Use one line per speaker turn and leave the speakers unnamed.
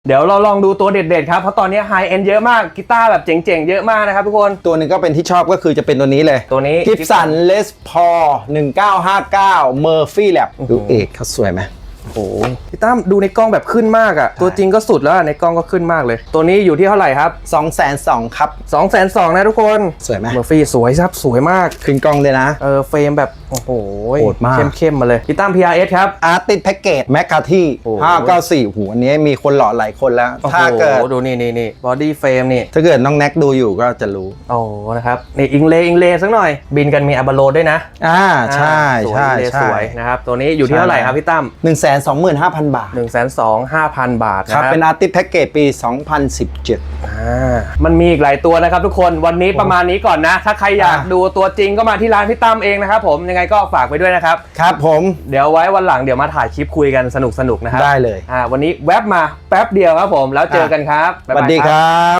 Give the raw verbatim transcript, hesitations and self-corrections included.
เดี๋ยวเราลองดูตัวเด็ดๆครับเพราะตอนนี้ไฮเอ็นเยอะมากกีตาร์แบบเจ๋งๆเยอะมากนะครับทุกคน
ตัวนึงก็เป็นที่ชอบก็คือจะเป็นตัวนี้เลย
ตัวนี้
Gibson Les Paul หนึ่งเก้าห้าเก้า Murphy Lab ดูเอกเขาสวยไหม
โอ้โหพี่ตั้มดูในกล้องแบบขึ้นมากอะตัวจริงก็สุดแล้วในกล้องก็ขึ้นมากเลยตัวนี้อยู่ที่เท่าไหร่ครับ
สองแสนสองครับ
สองแสนสองนะทุกคน
สวยไหม
Murphy สวยครับสวยมาก
ขึ้นกล้องเลยนะ
เออเฟรมแบบโอ้โห
โหดมาก
เข้มๆมาเลยพี่ตั้ม พี อาร์ เอส ครับ
Artist Package McCarthy ห้าเก้าสี่หูอันนี้มีคนหล่อหลายคนแล้วถ้าเกิด
ดูนี่นี่นี่บอดี้เฟรมนี่
ถ้าเกิดน้องแน็กดูอยู่ก็จะรู้
โอ้นะครับนี่อิงเลอิงเลสักหน่อยบินกันมีอัลบาโลด้วยนะ
อ่าใช่ใช่ใช่
สวยนะครับตัวนี้อยู่ที่เท่าไหร่ครับพี่ตั้ม
หนึ่งแสนสองหมื่นห้าพัน บาท
หนึ่งแสนสองหมื่นห้าพัน บาทนะครับ
เป็น Artist Package ปี สองพันสิบเจ็ด
อ่ามันมีอีกหลายตัวนะครับทุกคนวันนี้ประมาณนี้ก่อนนะถ้าใครอยากดูตัวจริงก็มาที่ร้านพี่ตั้มเองนะครับผมยังไงก็ฝากไปด้วยนะครับ
ครับผม
เดี๋ยวไว้วันหลังเดี๋ยวมาถ่ายคลิปคุยกันสนุกๆนะครับ
ได้เลย
อ่าวันนี้แวบมาแป๊บเดียวครับผมแล้วเจอกันครับ
สวัสดีครับ